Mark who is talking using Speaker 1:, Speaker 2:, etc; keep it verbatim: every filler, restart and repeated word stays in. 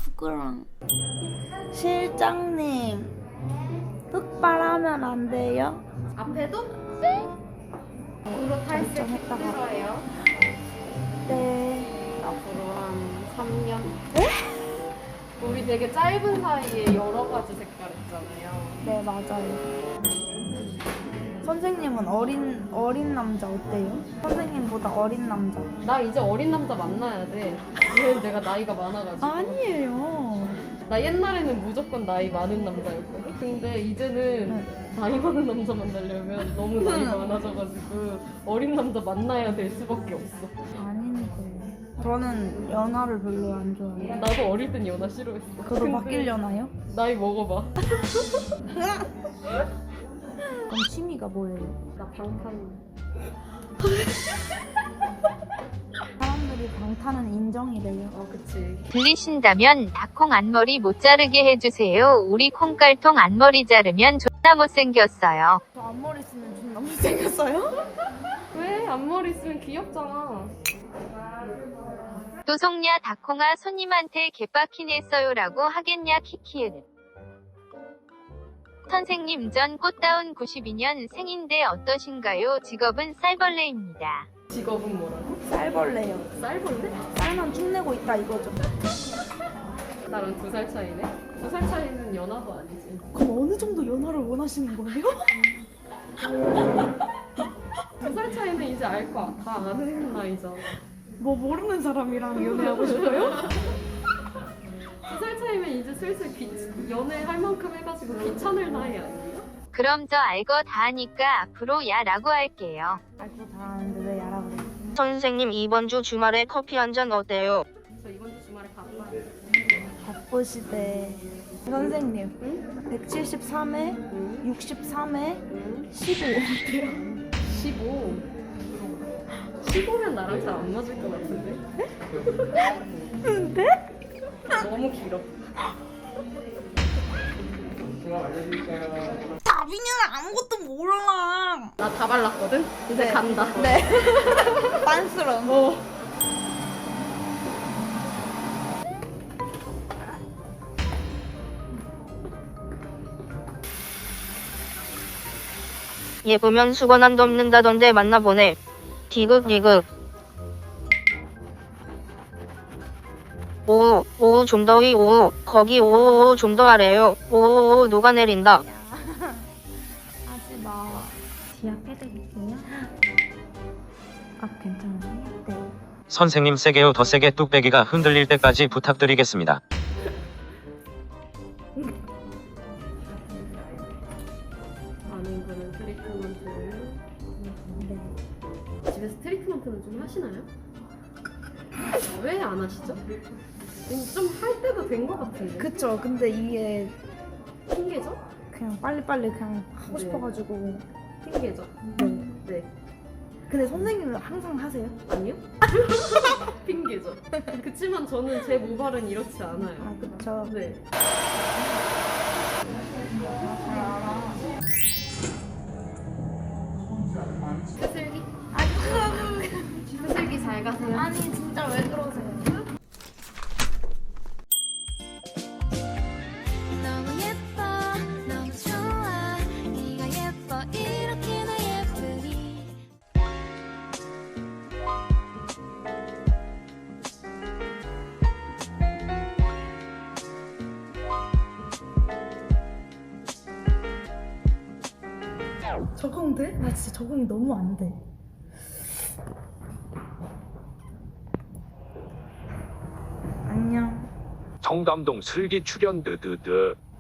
Speaker 1: 부끄러워. 실장님, 흑발하면 안 돼요?
Speaker 2: 앞에도? 네. 앞으로 탈색
Speaker 1: 결정했다가.
Speaker 2: 필요해요.
Speaker 1: 네.
Speaker 2: 앞으로 한 삼 년. 에? 우리 되게 짧은 사이에 여러 가지 색깔 있잖아요.
Speaker 1: 네, 맞아요. 선생님은 어린 어린 남자 어때요? 선생님보다 어린 남자.
Speaker 2: 나 이제 어린 남자 만나야 돼. 왜 내가 나이가 많아가지고.
Speaker 1: 아니에요.
Speaker 2: 나 옛날에는 무조건 나이 많은 남자였거든. 근데 이제는
Speaker 1: 네.
Speaker 2: 나이 많은 남자 만나려면 너무 나이 많아져가지고 어린 남자 만나야 될 수밖에 없어.
Speaker 1: 아니니까요. 저는 연하를 별로 안 좋아해요.
Speaker 2: 나도 어릴 땐 연하 싫어했어.
Speaker 1: 그거
Speaker 2: 근데
Speaker 1: 바뀌려나요?
Speaker 2: 나이 먹어봐.
Speaker 1: 그럼 취미가 뭐예요?
Speaker 2: 나 방탄.
Speaker 1: 사람들이 방탄은 인정이래요.
Speaker 2: 어, 그치.
Speaker 3: 들리신다면 닭콩 앞머리 못 자르게 해주세요. 우리 콩깔통 앞머리 자르면 존나 못생겼어요.
Speaker 1: 저 앞머리 쓰면 좀 너무 생겼어요?
Speaker 2: 왜? 앞머리 있으면 귀엽잖아.
Speaker 3: 또 속냐 닭콩아 손님한테 개빡긴 했어요라고 하겠냐 키키은. 선생님 전 꽃다운 구십이 년 생인데 어떠신가요? 직업은 쌀벌레입니다.
Speaker 2: 직업은 뭐라고?
Speaker 1: 쌀벌레요.
Speaker 2: 쌀벌레?
Speaker 1: 쌀만 축내고 있다 이거죠.
Speaker 2: 나랑 두 살 차이네? 두 살 차이는 연하도 아니지.
Speaker 1: 그럼 어느 정도 연하를 원하시는 거예요?
Speaker 2: 두 살 차이는 이제 알 거 다 아는 나이잖아.
Speaker 1: 뭐 모르는 사람이랑 연애하고 싶어요?
Speaker 2: 두 살 차이면 이제 슬슬 귀, 연애할 만큼 해가지고 귀찮을 나이 아니에요?
Speaker 3: 그럼 저 알거 다 하니까 앞으로 야라고 할게요.
Speaker 1: 알고 다 아는데 왜 야라 그래?
Speaker 4: 선생님 이번 주 주말에 커피 한 잔 어때요?
Speaker 2: 저 이번 주 주말에 바빠요.
Speaker 1: 바쁘시대. 선생님,
Speaker 2: 응?
Speaker 1: 백칠십삼 회,
Speaker 2: 응?
Speaker 1: 육십삼 회,
Speaker 2: 응?
Speaker 1: 십오 어때요?
Speaker 2: 십오. 십오면 나랑 잘 안 맞을 것 같은데?
Speaker 1: 근데?
Speaker 2: 너무 길어.
Speaker 1: 다빈이는 아무것도 몰라.
Speaker 2: 나 다 발랐거든? 이제
Speaker 1: 네.
Speaker 2: 간다.
Speaker 1: 네. 빤스런.
Speaker 2: 어.
Speaker 4: 예쁘면 수건 안 덮는다던데 만나보네. 디귿 디귿. 오오 오오 좀 더위 오오 거기 오오 좀 더 아래요. 오오 녹아내린다.
Speaker 1: 하지 마. 지압해드릴게요. 아, 괜찮아요? 네.
Speaker 5: 선생님 세게요. 더 세게 뚝배기가 흔들릴 때까지 부탁드리겠습니다.
Speaker 2: 아는 분은 트리트먼트를.
Speaker 1: 네.
Speaker 2: 집에서 트리트먼트는 좀 하시나요? 왜 안 하시죠? 좀 할 때도 된 것 같은데.
Speaker 1: 그쵸. 근데 이게
Speaker 2: 핑계죠?
Speaker 1: 그냥 빨리빨리 그냥 하고
Speaker 2: 네.
Speaker 1: 싶어가지고.
Speaker 2: 핑계죠?
Speaker 1: 네.
Speaker 2: 네.
Speaker 1: 근데 선생님은 항상 하세요?
Speaker 2: 아니요? 핑계죠. 그치만 저는 제 모발은 이렇지 않아요.
Speaker 1: 아, 그쵸.
Speaker 2: 네. 스슬기?
Speaker 1: 아니,
Speaker 2: 스슬기 잘 가세요.
Speaker 1: 아니 진짜 왜 그러세요?
Speaker 6: 너무 예뻐 너무 좋아 네가 예뻐 이렇게나 예쁘니
Speaker 1: 적응돼? 나 진짜 적응이 너무 안 돼. 안녕.
Speaker 7: 청담동 슬기 출연 드드드.